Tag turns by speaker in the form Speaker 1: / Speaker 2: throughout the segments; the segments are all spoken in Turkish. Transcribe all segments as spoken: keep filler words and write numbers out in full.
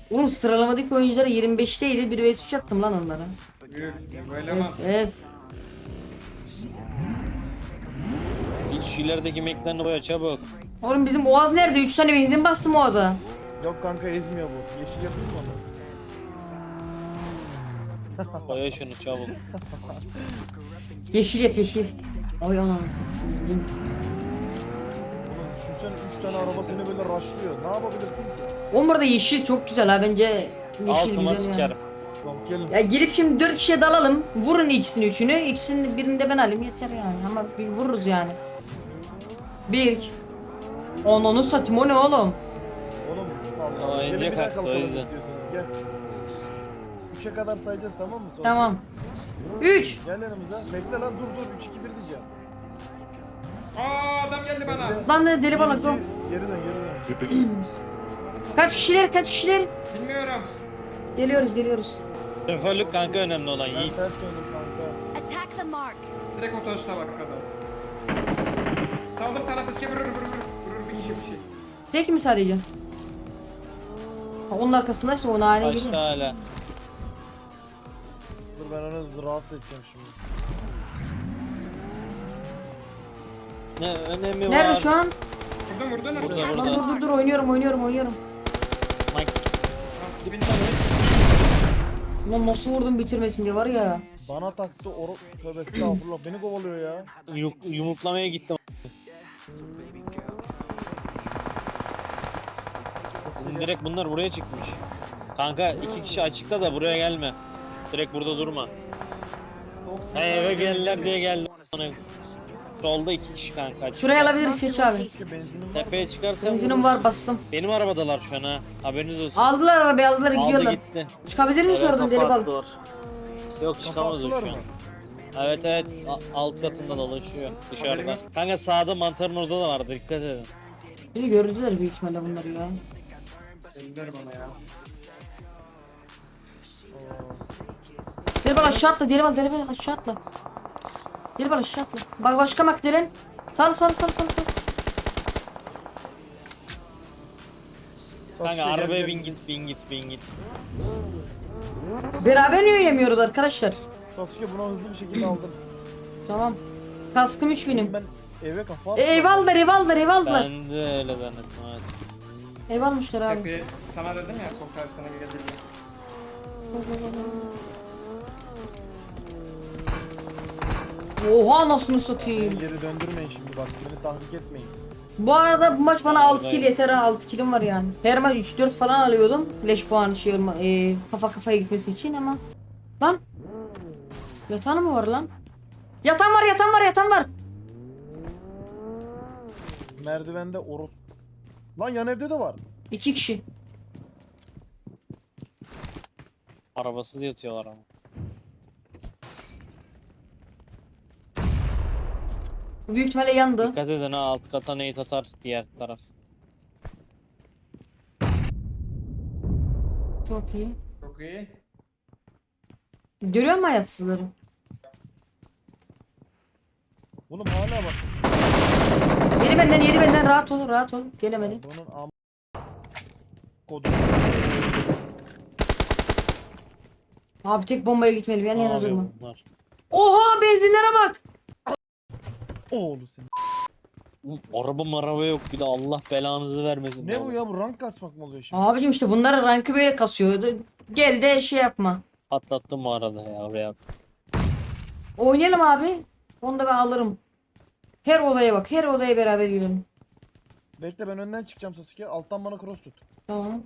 Speaker 1: Oğlum sıralamadaki oyunculara yirmi beşteydi. bir vs üç attım lan onlara.
Speaker 2: Büyük. Böyle
Speaker 1: Evet
Speaker 2: ama.
Speaker 1: evet.
Speaker 3: Git şu ilerideki meklerini boya çabuk.
Speaker 1: Oğlum bizim Oğaz nerede? üç tane benzin bastım Oğaz'a.
Speaker 4: Yok kanka ezmiyor bu. Yeşil yapayım mı onu?
Speaker 3: Boya şunu çabuk.
Speaker 1: Yeşil yap yeşil. Oy ananı satayım.
Speaker 4: Oğlum düşünsene üç tane araba seni böyle rushlıyor. Ne yapabilirsin ki?
Speaker 1: Oğlum burada yeşil çok güzel ha bence. Yeşil
Speaker 3: Altıma
Speaker 1: güzel ya.
Speaker 3: sikerim.
Speaker 4: Tamam gelin.
Speaker 1: Ya girip şimdi dört kişiye dalalım. Vurun ikisini üçünü. İkisini birini de ben alayım yeter yani. Ama bir vururuz yani. Bir. Ananı satayım o ne oğlum?
Speaker 4: Oğlum
Speaker 3: Aa,
Speaker 4: vallahi. Gelin
Speaker 3: ince
Speaker 4: bir daha
Speaker 3: kalktı, o
Speaker 4: kalkalım
Speaker 3: yüzden.
Speaker 4: istiyorsanız gel. Üçe kadar sayacağız tamam mı? Sonra
Speaker 1: Tamam. Üç.
Speaker 4: Gel yanımıza. Bekle lan dur dur. Üç iki bir diyeceğim.
Speaker 2: Aa adam geldi bana.
Speaker 4: Bekle.
Speaker 1: Lan ne deli
Speaker 4: Bir,
Speaker 1: balık
Speaker 4: iki,
Speaker 1: o.
Speaker 4: Geri dön geri dön.
Speaker 1: Kaç kişiler kaç kişiler?
Speaker 2: Bilmiyorum.
Speaker 1: Geliyoruz geliyoruz.
Speaker 3: Şoförlük kanka önemli olan
Speaker 4: Ben
Speaker 3: Yiğit.
Speaker 4: ters döndüm kanka.
Speaker 5: Attack the mark.
Speaker 2: Direkt otobüste bak kadar. Saldım sana ses vurur vurur vurur. Vurur bir kişi bir şey.
Speaker 1: Tek mi sadece? Ha, onun arkasındaysa o nane
Speaker 3: Kaçta
Speaker 1: geliyor.
Speaker 3: hala.
Speaker 4: Dur ben onu rahatsız edeceğim şimdi.
Speaker 3: Ne önemi var?
Speaker 1: Nerede şu an?
Speaker 2: Vurdun vurdun mu?
Speaker 3: Burada,
Speaker 1: Lan
Speaker 3: burada.
Speaker 1: dur dur dur oynuyorum oynuyorum oynuyorum.
Speaker 3: Mike,
Speaker 2: Dibinde mi?
Speaker 1: Lan nasıl vurdum bitirmesin diye var ya.
Speaker 4: Bana taktı oru... Tövbe estağfurullah beni kovalıyor ya.
Speaker 3: yum- yumruklamaya gittim. Direkt bunlar buraya çıkmış. Kanka iki kişi açıkta da buraya gelme. Direkt burada durma. Ha eve geldiler diye geldim. Solda iki kişi kanka. açıkta.
Speaker 1: Şuraya alabiliriz geç abi.
Speaker 4: Keşke benzinim var.
Speaker 3: Tepeye çıkarsa
Speaker 1: Benzinim var bastım.
Speaker 3: benim arabadalar şu an ha. Haberiniz olsun.
Speaker 1: Aldılar arabayı aldılar
Speaker 3: Aldı
Speaker 1: gidiyorlar.
Speaker 3: gitti.
Speaker 1: Çıkabilir misin
Speaker 3: Evet,
Speaker 1: oradan deli balık?
Speaker 3: kapattılar. Yok çıkamaz o şu
Speaker 4: Kapattılar
Speaker 3: an.
Speaker 4: mı?
Speaker 3: Evet evet A- alt katında dolaşıyor dışarıda. Kanka sağda mantarın orada da vardı dikkat edin.
Speaker 1: Beni gördüler büyük ihtimalle bunları ya.
Speaker 2: Dediler bana ya.
Speaker 1: Deli balık aşağı atla deli balık deli balık aşağı atla. Deli balık aşağı atla. Bak başka makdelen. Sal sal sal sal sal.
Speaker 3: Kanka
Speaker 4: Sasuke, gel,
Speaker 3: arabaya
Speaker 4: gel.
Speaker 3: bin git bin git bin git.
Speaker 1: Beraber niye oynamıyoruz arkadaşlar?
Speaker 4: Sasuke bunu hızlı bir şekilde aldım.
Speaker 1: Tamam. Kaskım üç benim.
Speaker 4: Ben eve kafa
Speaker 1: E, ev aldılar ev aldılar ev aldılar.
Speaker 3: Ben de öyle zannettim evet.
Speaker 1: Ev almışlar abi.
Speaker 2: Tepe sana dedim ya Sokar sana geldi diye.
Speaker 1: Oha anasını satayım.
Speaker 4: Beni geri döndürmeyin şimdi bak. Beni tahrik etmeyin.
Speaker 1: Bu arada bu maç bana altı kill yeter ha altı killim var yani. Her maç üç dört falan alıyordum. Leş puanı şey olma, e, kafa kafaya gitmesi için ama. Lan. Yatan mı var lan? Yatan var yatan var yatan var.
Speaker 4: Merdivende oru... Lan yan evde de var.
Speaker 1: İki kişi.
Speaker 3: Arabasız yatıyorlar ama.
Speaker 1: Bu büyük ihtimalle yandı.
Speaker 3: Dikkat edin ha alt kata nade atar diğer taraf.
Speaker 1: Çok iyi.
Speaker 2: Çok iyi.
Speaker 1: Görüyor musun hayatsızları?
Speaker 4: Oğlum hala bak.
Speaker 1: Yedi benden yedi benden rahat ol rahat ol. Gelemedi.
Speaker 4: Bunun am... Kodu.
Speaker 1: Abi tek bombaya gitmeli yan
Speaker 3: Ne
Speaker 1: yana
Speaker 3: yapıyor
Speaker 1: durma.
Speaker 3: bunlar?
Speaker 1: Oha benzinlere bak.
Speaker 4: Oğlu seni.
Speaker 3: Oğlum, Araba maraba yok bir de Allah belanızı vermesin.
Speaker 4: Ne bu ya bu rank kasmak mı oluyor şimdi?
Speaker 1: Abicim işte bunlar rankı böyle kasıyor. Gel de şey yapma.
Speaker 3: Patlattım bu arada ya oraya.
Speaker 1: Oynayalım abi. Onu da ben alırım. Her odaya bak. Her odaya beraber girelim.
Speaker 4: Bekle ben önden çıkacağım Sasuke. Alttan bana cross tut.
Speaker 1: Tamam.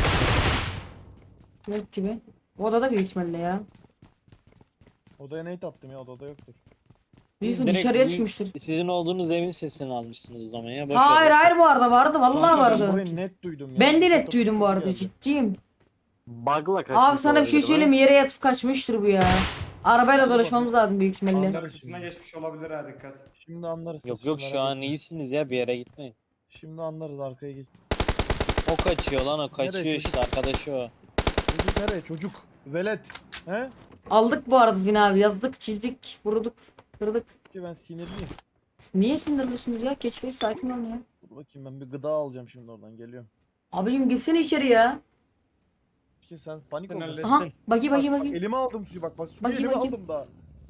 Speaker 1: Yok gibi. Odada büyük ihtimalle ya.
Speaker 4: Odaya nade attım ya odada yoktur.
Speaker 1: Büyük
Speaker 3: Direkt
Speaker 1: dışarıya
Speaker 3: bu-
Speaker 1: çıkmıştır.
Speaker 3: Sizin olduğunuz evin sesini almışsınız o zaman ya. Boş
Speaker 1: Hayır
Speaker 3: ver.
Speaker 1: hayır bu arada vardı. Vallahi
Speaker 4: Kanka, Ben
Speaker 1: vardı.
Speaker 4: burayı net duydum ya.
Speaker 1: Ben de net
Speaker 4: Fotoğraf
Speaker 1: duydum bu arada.
Speaker 4: geldi.
Speaker 1: Ciddiyim.
Speaker 3: Bug'la kaçmış
Speaker 1: Abi sana bir şey
Speaker 3: olabilir
Speaker 1: söyleyeyim mi?
Speaker 3: mi?
Speaker 1: Yere yatıp kaçmıştır bu ya. Arabayla dolaşmamız lazım büyük ihtimalle.
Speaker 4: Anlarız
Speaker 2: Arkasına
Speaker 4: şimdi.
Speaker 2: geçmiş olabilir ha dikkat.
Speaker 4: Şimdi anlarız.
Speaker 3: Yok
Speaker 4: siz,
Speaker 3: yok
Speaker 4: merak
Speaker 3: şu an
Speaker 4: etmeyin.
Speaker 3: iyisiniz ya bir yere gitmeyin.
Speaker 4: Şimdi anlarız arkaya geç.
Speaker 3: O kaçıyor lan o kaçıyor
Speaker 4: Nereye
Speaker 3: işte arkadaşı o.
Speaker 4: Çocuk nereye çocuk? Velet. He?
Speaker 1: Aldık bu arada Fin abi. Yazdık, çizdik, vurduk, kırdık.
Speaker 4: Ki ben sinirliyim.
Speaker 1: Niye sinirlisiniz ya? Geç Bey sakin olun ya.
Speaker 4: Dur bakayım ben bir gıda alacağım şimdi oradan geliyorum.
Speaker 1: Abicim girsene içeri ya.
Speaker 4: Sasuke sen panik
Speaker 2: Sen
Speaker 4: oldun.
Speaker 2: hallettin.
Speaker 1: Aha bagi
Speaker 4: Bak,
Speaker 1: bagi
Speaker 4: bak,
Speaker 1: bagi.
Speaker 4: elime aldım suyu bak bak suyu
Speaker 1: Bakayım,
Speaker 4: elime
Speaker 1: bakayım.
Speaker 4: aldım daha.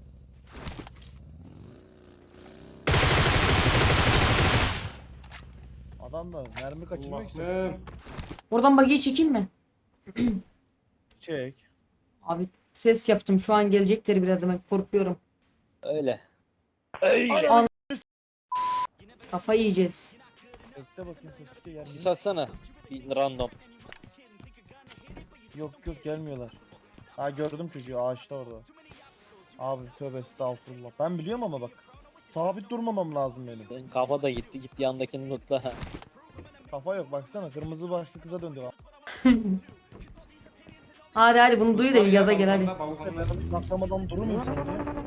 Speaker 4: Adam da mermi kaçırmıyor ki Sasuke.
Speaker 2: Allah'ım.
Speaker 1: Oradan bagiyi çekeyim mi?
Speaker 4: Çek.
Speaker 1: Abi ses yaptım şu an gelecekleri biraz hemen korkuyorum.
Speaker 3: Öyle. Öyle.
Speaker 1: An Kafayı yiyeceğiz.
Speaker 4: Bekle bakayım Sasuke yer
Speaker 3: Sis
Speaker 4: mi?
Speaker 3: atsana. Bir random.
Speaker 4: Yok yok gelmiyorlar. Ha gördüm çocuğu ağaçta orada. Abi tövbe estağfurullah. Ben biliyorum ama bak. Sabit durmamam lazım benim.
Speaker 3: Senin kafa da gitti. Gitti yandakini notla.
Speaker 4: Kafa yok baksana kırmızı başlı kıza döndü.
Speaker 1: Hadi hadi bunu duy da bir gaza gel hadi.
Speaker 2: Balkonda,
Speaker 4: Ben
Speaker 2: balkonda.
Speaker 4: bir patlamadan durur muyum sence?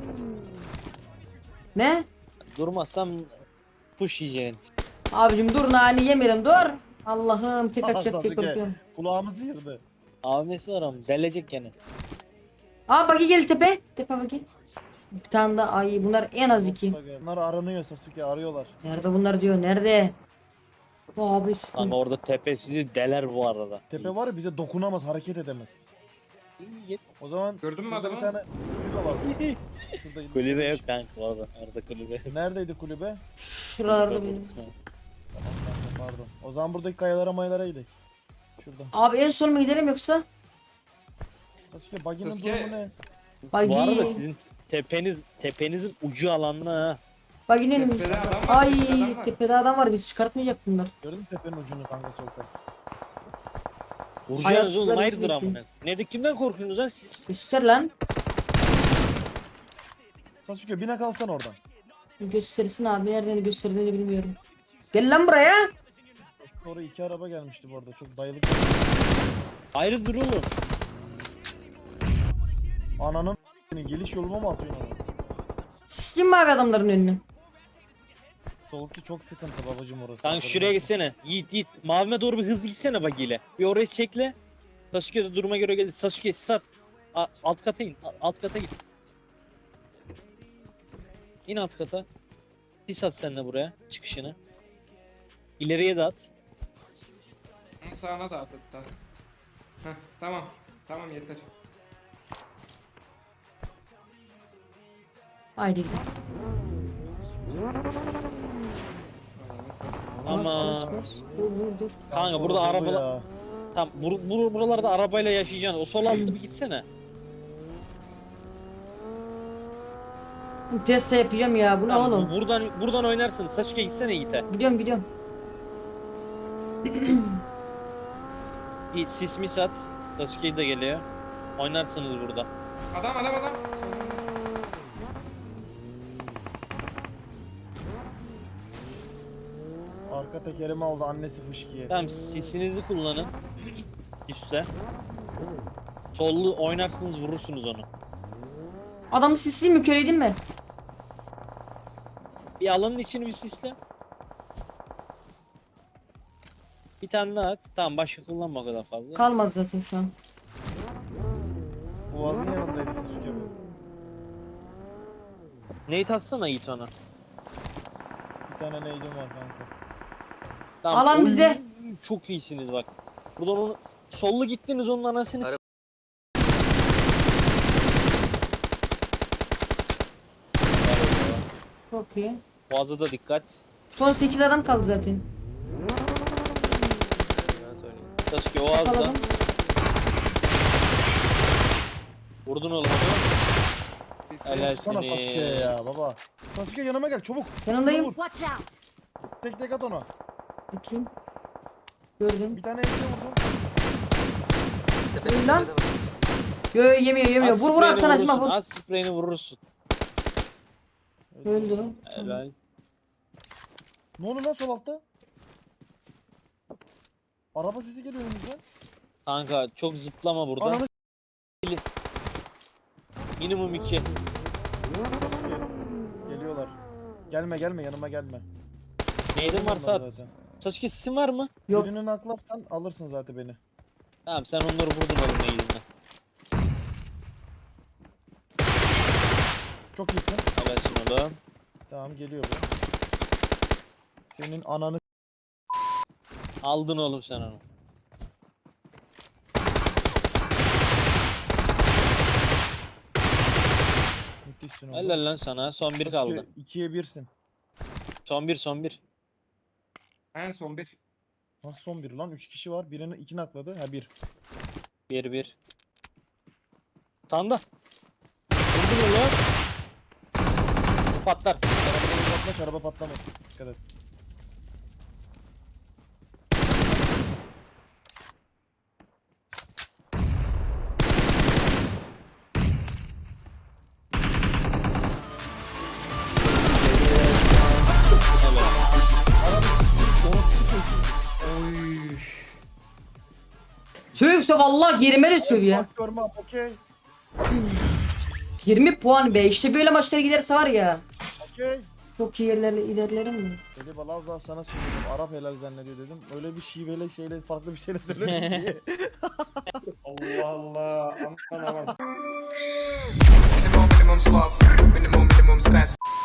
Speaker 1: Ne?
Speaker 3: Durmazsam push yiyeceksin.
Speaker 1: Abicim dur nane yemeyelim dur. Allah'ım tek atacak diye
Speaker 4: Sasuke,
Speaker 1: korkuyorum.
Speaker 4: Kulağımızı yırdı.
Speaker 3: Abisi var ama delecek gene.
Speaker 1: Aa bagi gel tepe. Tepe bagi. Bir tane daha ay bunlar en az iki.
Speaker 4: Bunlar aranıyor Sasuke arıyorlar.
Speaker 1: Nerede bunlar diyor nerede? Bu abi
Speaker 3: Kanka
Speaker 1: sıkıntı.
Speaker 3: orada tepe sizi deler bu arada.
Speaker 4: Tepe var ya bize dokunamaz hareket edemez.
Speaker 3: İyi.
Speaker 4: O zaman
Speaker 2: Gördün mü
Speaker 4: şurada
Speaker 2: adamı?
Speaker 4: bir tane kulübe var. Şurada
Speaker 3: Kulübe yok kanka orada. Orada kulübe.
Speaker 4: Neredeydi kulübe?
Speaker 1: Şuralarda bir.
Speaker 4: Tamam kanka pardon. O zaman buradaki kayalara mayalara gidelim. Şurada.
Speaker 1: Abi en son mu gidelim yoksa?
Speaker 4: Sasuke baginin
Speaker 2: Sasuke-
Speaker 4: durumu ne?
Speaker 1: Bagi.
Speaker 3: Bu arada sizin tepeniz tepenizin ucu alanına ha.
Speaker 1: Baginin.
Speaker 2: Tepede adam var,
Speaker 1: Ay
Speaker 2: tepede adam var.
Speaker 1: tepede adam var biz çıkartmayacak bunlar.
Speaker 4: Gördün mü tepenin ucunu kanka sol taraf?
Speaker 3: Vuracaksınız
Speaker 1: Hayatsızlar
Speaker 3: oğlum hayırdır
Speaker 1: bizi
Speaker 3: amına. Ne de kimden korkuyorsunuz lan siz?
Speaker 1: Göster lan.
Speaker 4: Sasuke bine kalsan oradan.
Speaker 1: Göstersin abi nereden gösterdiğini bilmiyorum. Gel lan buraya.
Speaker 4: Sonra iki araba gelmişti bu arada çok dayılık.
Speaker 3: Hayırdır oğlum?
Speaker 4: Ananın senin geliş yoluma mı atıyorsun onu?
Speaker 1: Sistim mi abi adamların önünü?
Speaker 4: Solki çok sıkıntı babacım orası.
Speaker 3: Kanka şuraya gitsene. Yiğit Yiğit. Mavime doğru bir hızlı gitsene bagiyle. Bir orayı çekle. Sasuke de duruma göre geldi. Sasuke sat. A- alt kata in. A- alt kata git. İn alt kata. Sis at sen de buraya. Çıkışını. İleriye de at.
Speaker 2: Sağına da at hatta. Heh, tamam. Tamam yeter.
Speaker 1: Haydi gidelim.
Speaker 3: Ama
Speaker 1: Bas, bas, bas. Dur dur dur.
Speaker 3: kanka burada
Speaker 4: Orada bu
Speaker 3: arabalar...
Speaker 4: ya.
Speaker 3: Tam bur bur buralarda arabayla yaşayacaksın. O sol altta bir gitsene.
Speaker 1: Test yapacağım ya bu ne
Speaker 3: Tamam,
Speaker 1: oğlum?
Speaker 3: bu- buradan buradan oynarsın. Sasuke gitsene Yiğit'e.
Speaker 1: Gidiyorum gidiyorum.
Speaker 3: Bir sis mis at. Sasuke de geliyor. Oynarsınız burada.
Speaker 2: Adam adam adam.
Speaker 4: Arka tekerimi aldı annesi fışkiye.
Speaker 3: Tamam sisinizi kullanın. Üste. Sollu oynarsınız vurursunuz onu.
Speaker 1: Adamı sisleyeyim mi köreydim mi?
Speaker 3: Bir alanın içini bir sisle. Bir tane daha at. Tamam başka kullanma o kadar fazla.
Speaker 1: Kalmaz zaten şu an.
Speaker 4: Boğazın yanındaydı Sasuke bu.
Speaker 3: Neyi atsana Yiğit ona.
Speaker 4: Bir tane neydim var kanka.
Speaker 3: Tamam,
Speaker 1: Alan
Speaker 3: oy,
Speaker 1: bize.
Speaker 3: Çok iyisiniz bak. Buradan onu sollu gittiniz onun anasını s-
Speaker 1: Çok iyi.
Speaker 3: Boğaza da dikkat.
Speaker 1: Son sekiz adam kaldı zaten.
Speaker 3: Sasuke o ağızda.
Speaker 1: Yakaladım.
Speaker 3: Vurdun oğlum onu. Helal
Speaker 4: Sana Sasuke
Speaker 3: seni.
Speaker 4: ya baba. Sasuke yanıma gel çabuk.
Speaker 1: Yanındayım.
Speaker 4: Vur.
Speaker 5: Watch out!
Speaker 4: Tek tek at ona.
Speaker 1: Bakayım. Gördüm.
Speaker 4: Bir tane elini vurdum.
Speaker 1: Öl lan. Yo yo, yemiyor yemiyor.
Speaker 3: At
Speaker 1: Vur vur
Speaker 3: spreyini
Speaker 1: atsana
Speaker 3: vurursun,
Speaker 1: Acıma vur.
Speaker 3: At spreyini vurursun.
Speaker 1: Öldü.
Speaker 3: Helal.
Speaker 4: Ne oldu lan sol altta? Araba sesi geliyor önümüzden.
Speaker 3: Kanka çok zıplama burada.
Speaker 4: Ananı
Speaker 3: Minimum iki.
Speaker 4: Sasuke. Geliyorlar. Gelme gelme yanıma gelme.
Speaker 3: Neydin varsa at.
Speaker 4: Zaten.
Speaker 3: Sasuke sesin var mı?
Speaker 1: Yok.
Speaker 4: Birini naklarsan alırsın zaten beni.
Speaker 3: Tamam sen onları vurdun oğlum neyidinden.
Speaker 4: Çok iyisin.
Speaker 3: Habersin oğlum.
Speaker 4: Tamam geliyor bu. Senin ananı
Speaker 3: Aldın oğlum sen onu.
Speaker 4: Müthişsin oğlum.
Speaker 3: Helal lan sana. Son bir kaldı.
Speaker 4: ikiye birsin.
Speaker 3: Son bir son bir.
Speaker 2: En son bir.
Speaker 4: Nasıl son bir lan? üç kişi var. Birini iki nakladı. Ha bir.
Speaker 3: Bir bir. Sanda. Vurdun mu lan? Bu patlar.
Speaker 4: Arabadan uzaklaş, araba patlamaz. Dikkat et.
Speaker 2: Oy.
Speaker 1: Söv söv Allah yerime de söv ya.
Speaker 4: Bak görmem, okey.
Speaker 1: yirmi puan be. İşte böyle maçlara giderse var ya.
Speaker 4: Okey.
Speaker 1: Çok iyi yerlerle ilerlerim mi?
Speaker 4: Dedi bana az daha sana söyledim. Arap helal zannediyor dedim. Öyle bir şiveyle şeyle farklı bir şeyle söyledim ki.
Speaker 2: Allah Allah. Aman aman.
Speaker 5: Minimum, minimum sloth. Minimum, minimum stress.